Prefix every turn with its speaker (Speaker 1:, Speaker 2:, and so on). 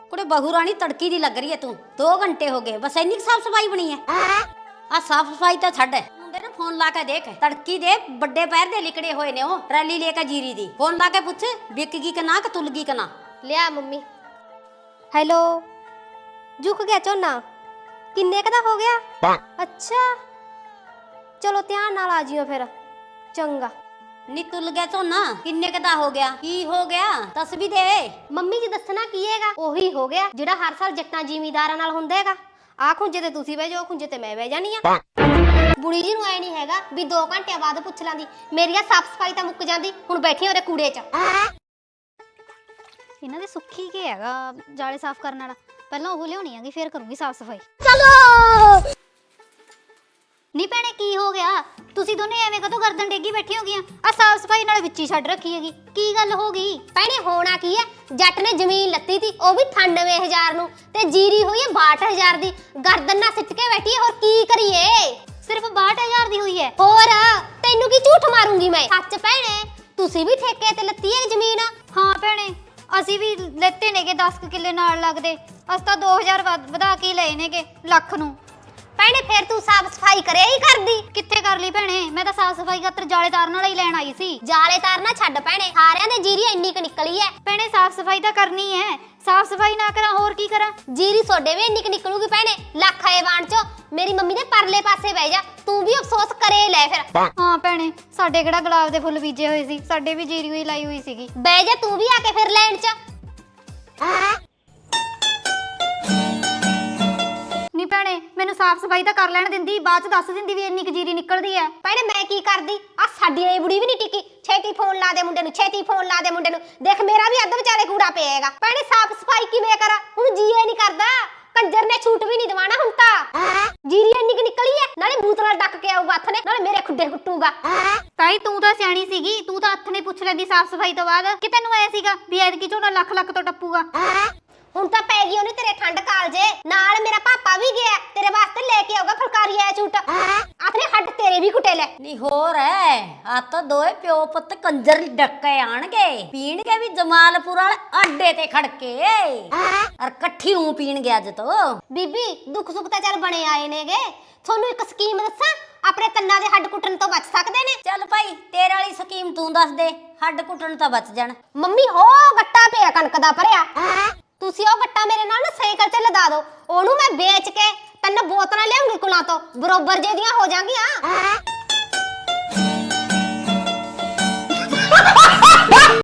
Speaker 1: कुड़े बहू रानी तड़की दी लग रही है तू। 2 घंटे हो गए बस इन्नी साफ सफाई बनी है। आ साफ सफाई तो छड़ मुंडे ने फोन ला के देख तड़की दे बड़े पैर दे लिकड़े होए ने ओ रैली लेके जीरी दी। फोन ला के पूछ बिकगी कि ना कि तुलगी कि ना।
Speaker 2: लिया मम्मी। हेलो झुक गया झोना किन्ने क दा हो गया? अच्छा चलो ध्यान नाल आ जियो फिर चंगा।
Speaker 1: नी तुल गया झोना किन्ने क दा हो गया? की हो गया दस भी दे।
Speaker 2: ਮੰਮੀ ਜੀ ਦੱਸਣਾ ਕੀ ਹੈਗਾ ਉਹੀ ਹੋ ਗਿਆ ਜਿਹੜਾ ਹਰ ਸਾਲ ਜੱਟਾਂ ਜ਼ਿਮੀਂਦਾਰਾਂ ਨਾਲ ਹੁੰਦਾ ਹੈਗਾ। ਆ ਖੁੰਝੇ ਤੇ ਤੁਸੀਂ ਬਹਿ ਜਾਓ ਖੁੰਝੇ ਤੇ ਮੈਂ ਬਹਿ ਜਾਣੀ ਆ। ਬੁੜੀ ਜੀ ਨੂੰ ਐ ਨਹੀਂ ਹੈਗਾ ਵੀ 2 ਘੰਟੇ ਬਾਅਦ ਪੁੱਛ ਲਾਂਦੀ ਮੇਰੀ ਆ ਸਾਫ ਸਫਾਈ ਤਾਂ ਮੁੱਕ ਜਾਂਦੀ ਹੁਣ ਬੈਠੀ ਉਹਦੇ ਕੂੜੇ 'ਚ।
Speaker 3: ਇਹਨਾਂ ਦੇ ਸੁੱਖੀ ਕੀ ਹੈਗਾ ਜਾਲੇ ਸਾਫ਼ ਕਰਨ ਵਾਲਾ ਪਹਿਲਾਂ ਉਹ ਲਿਆਉਣੀ ਆਗੀ ਫੇਰ ਕਰੂੰਗੀ ਸਾਫ਼ ਸਫਾਈ।
Speaker 2: ਚਲੋ
Speaker 3: ਨੀ ਭੈਣੇ ਕੀ ਹੋ ਗਿਆ ਤੁਸੀਂ ਦੋਨੇ ਐਵੇਂ ਕਦੋਂ ਗਰਦਨ ਡੇਗੀ ਬੈਠੀ ਹੋ ਗਈਆਂ ਆ ਸਾਫ਼ ਸਫਾਈ ਨਾਲ ਵਿੱਚ ਹੀ ਛੱਡ ਰੱਖੀ ਹੈਗੀ ਕੀ ਗੱਲ ਹੋ ਗਈ?
Speaker 2: ਭੈਣੇ ਹੋਣਾ ਕੀ ਹੈ ਜੱਟ ਨੇ ਜ਼ਮੀਨ ਲੱਤੀ ਤੀ ਉਹ ਵੀ 98000 ਨੂੰ ਤੇ ਜੀਰੀ ਹੋਈ ਹੈ 62000 ਦੀ ਗਰਦਨ ਨਾਲ ਸਿੱਟ ਕੇ ਬੈਠੀ ਹੈ ਹੋਰ ਕੀ ਕਰੀਏ?
Speaker 3: ਸਿਰਫ 62000 ਦੀ ਹੋਈ ਹੈ।
Speaker 2: ਹੋਰ ਤੈਨੂੰ ਕੀ ਝੂਠ ਮਾਰੂੰਗੀ ਮੈਂ। ਸੱਚ ਭੈਣੇ ਤੁਸੀਂ ਵੀ ਠੇਕੇ ਤੇ ਲੱਤੀ ਹੈ ਜ਼ਮੀਨ?
Speaker 3: ਹਾਂ ਭੈਣੇ ਅਸੀਂ ਵੀ ਲੈਤੇ ਨੇਗੇ 10 ਕਿੱਲੇ ਨਾਲ ਲੱਗਦੇ ਅਸੀਂ ਤਾਂ 2000 ਵਧਾ ਕੇ ਲਏ ਨੇਗੇ ਲੱਖ ਨੂੰ।
Speaker 2: ਭੈਣੇ ਫਿਰ ਤੂੰ ਸਾਫ ਸਫਾਈ ਕਰਿਆ ਹੀ ਕਰਦੀ?
Speaker 3: ਕਿੱਥੇ ਕਰ ਲਈ ਭੈਣੇ ਮੈਂ ਤਾਂ ਸਾਫ਼ ਸਫਾਈ ਖਾਤਰ ਜਾਲੇ ਤਾਰਨ ਵਾਲਾ ਹੀ ਲੈਣ ਆਈ ਸੀ।
Speaker 2: ਜਾਲੇ ਤਾਰਨਾ ਛੱਡ ਭੈਣੇ ਸਾਰਿਆਂ ਦੇ ਜੀਰੀ ਇੰਨੀ ਕ ਨਿਕਲੀ ਹੈ।
Speaker 3: ਭੈਣੇ ਸਾਫ਼ ਸਫਾਈ ਤਾਂ ਕਰਨੀ ਹੈ ਸਾਫ਼ ਸਫਾਈ ਨਾ ਕਰਾਂ ਹੋਰ ਕੀ ਕਰਾਂ?
Speaker 2: ਜੀਰੀ ਸੋਡੇ ਵੀ ਇੰਨੀ ਕ ਨਿਕਲੂਗੀ ਭੈਣੇ ਲੱਖ ਆਏ ਬਾਣ ਚੋਂ। ਮੇਰੀ ਮੰਮੀ ਦੇ ਪਰਲੇ ਪਾਸੇ ਬਹਿ ਜਾ ਤੂੰ ਵੀ ਅਫਸੋਸ ਕਰੇ ਲੈ ਫਿਰ।
Speaker 3: ਹਾਂ ਭੈਣੇ ਸਾਡੇ ਕਿਹੜਾ ਗੁਲਾਬ ਦੇ ਫੁੱਲ ਬੀਜੇ ਹੋਏ ਸੀ ਸਾਡੇ ਵੀ ਜੀਰੀ ਹੋਈ ਲਾਈ ਹੋਈ ਸੀਗੀ।
Speaker 2: ਬਹਿ ਜਾ ਤੂੰ ਵੀ ਆ ਕੇ ਫਿਰ ਲੈਣ ਚ।
Speaker 3: ਨੀ ਭੈਣੇ ਮੈਨੂੰ ਸਾਫ਼ ਸਫਾਈ ਤਾਂ ਕਰ ਲੈਣ ਦਿੰਦੀ ਬਾਅਦ ਚ ਦੱਸ ਦਿੰਦੀ ਵੀ ਇੰਨੀ ਕੁ ਜੀਰੀ ਨਿਕਲਦੀ ਐ।
Speaker 2: ਭੈਣੇ ਮੈਂ ਕੀ ਕਰਦੀ ਆ ਸਾਡੀ ਇਹ ਬੁੜੀ ਵੀ ਨਹੀਂ ਟਿੱਕੀ। ਛੇਤੀ ਫੋਨ ਲਾ ਦੇ ਮੁੰਡੇ ਨੂੰ ਛੇਤੀ ਫੋਨ ਲਾ ਦੇ ਮੁੰਡੇ ਨੂੰ ਦੇਖ ਮੇਰਾ ਵੀ ਅੱਧ ਵਿਚਾਲੇ ਕੂੜਾ ਪਿਆਗਾ। ਭੈਣੇ ਸਾਫ਼ ਸਫਾਈ ਕਿਵੇਂ ਕਰਾਂ ਹੁਣ ਜੀ ਇਹ ਨਹੀਂ ਕਰਦਾ ਕੰਜਰ ਨੇ ਛੂਟ ਵੀ ਨਹੀਂ ਦਵਾਣਾ ਹੁਣ ਤਾਂ। ਜੀਰੀ ਇੰਨੀ ਕੁ ਨਿਕਲੀ ਐ ਨਾਲੇ ਬੂਤ ਨਾਲ ਡੱਕ ਕੇ ਆਊਗਾ ਹੱਥ ਨੇ ਨਾਲੇ ਮੇਰੇ ਖੁੱਡੇ ਕੁੱਟੂਗਾ।
Speaker 3: ਤਾਈ ਤੂੰ ਤਾਂ ਸਿਆਣੀ ਸੀਗੀ ਤੂੰ ਤਾਂ ਹੱਥ ਨੇ ਪੁੱਛ ਲੈਂਦੀ ਸਾਫ਼ ਸਫਾਈ ਤੋਂ ਬਾਅਦ ਕਿ ਤੈਨੂੰ ਐ ਸੀਗਾ ਵੀ ਐਤਕੀ ਝੋਨਾ ਲੱਖ ਲੱਖ ਤੋਂ ਟੱਪੂਗਾ।
Speaker 2: ਹੁਣ ਤਾਂ ਪੈ ਗਈ ਉਹਨੇ ਤੇਰੇ ਠੰਡ ਕਾਲਜੇ ਨਾਲ ਮੇਰਾ ਪਾਪਾ ਵੀ ਗਿਆ ਤੇਰੇ ਵਾਸਤੇ ਲੈ ਕੇ ਆਊਗਾ ਫੁਲਕਾਰੀ ਆਇਆ ਝੂਟ ਆਪਣੇ ਹੱਡ ਤੇਰੇ ਵੀ ਕੁੱਟੇ ਲੈ।
Speaker 1: ਨੀ ਹੋਰ ਹੈ ਆ ਤਾਂ ਦੋਏ ਪਿਓ ਪੁੱਤ ਕੰਜਰ ਡੱਕੇ ਆਣਗੇ ਪੀਣਗੇ ਵੀ ਜਮਾਲਪੁਰ ਵਾਲੇ ਆਡੇ ਤੇ ਖੜਕੇ ਅਰ ਇਕੱਠੀ ਹੂੰ ਪੀਣਗੇ ਅੱਜ ਤੋਂ।
Speaker 2: ਬੀਬੀ ਦੁੱਖ ਸੁੱਖ ਤਾਂ ਚੱਲ ਬਣੇ ਆਏ ਨੇਗੇ ਤੁਹਾਨੂੰ ਇੱਕ ਸਕੀਮ ਦੱਸਾਂ ਆਪਣੇ ਕੰਨਾਂ ਦੇ ਹੱਡ ਕੁੱਟਣ ਤੋਂ ਬਚ ਸਕਦੇ ਨੇ।
Speaker 1: ਚੱਲ ਭਾਈ ਤੇਰੇ ਵਾਲੀ ਸਕੀਮ ਤੂੰ ਦੱਸ ਦੇ ਹੱਡ ਕੁੱਟਣ ਤਾਂ ਬਚ ਜਾਣ।
Speaker 2: ਮੰਮੀ ਹੋ ਗੱਟਾ ਪਿਆ ਕਣਕ ਦਾ ਭਰਿਆ ਤੁਸੀਂ ਉਹ ਗੱਟਾ ਮੇਰੇ ਨਾਲ ਨਾ ਸਾਈਕਲ ਤੇ ਲਦਾ ਦਿਓ ਉਹਨੂੰ ਮੈਂ ਵੇਚ ਕੇ 3 ਬੋਤਲਾਂ ਲਿਆਉਂਗੀ ਕੁਲਾਂ ਤੋਂ ਬਰੋਬਰ ਜੇ ਦੀਆਂ ਹੋ ਜਾਣਗੀਆਂ।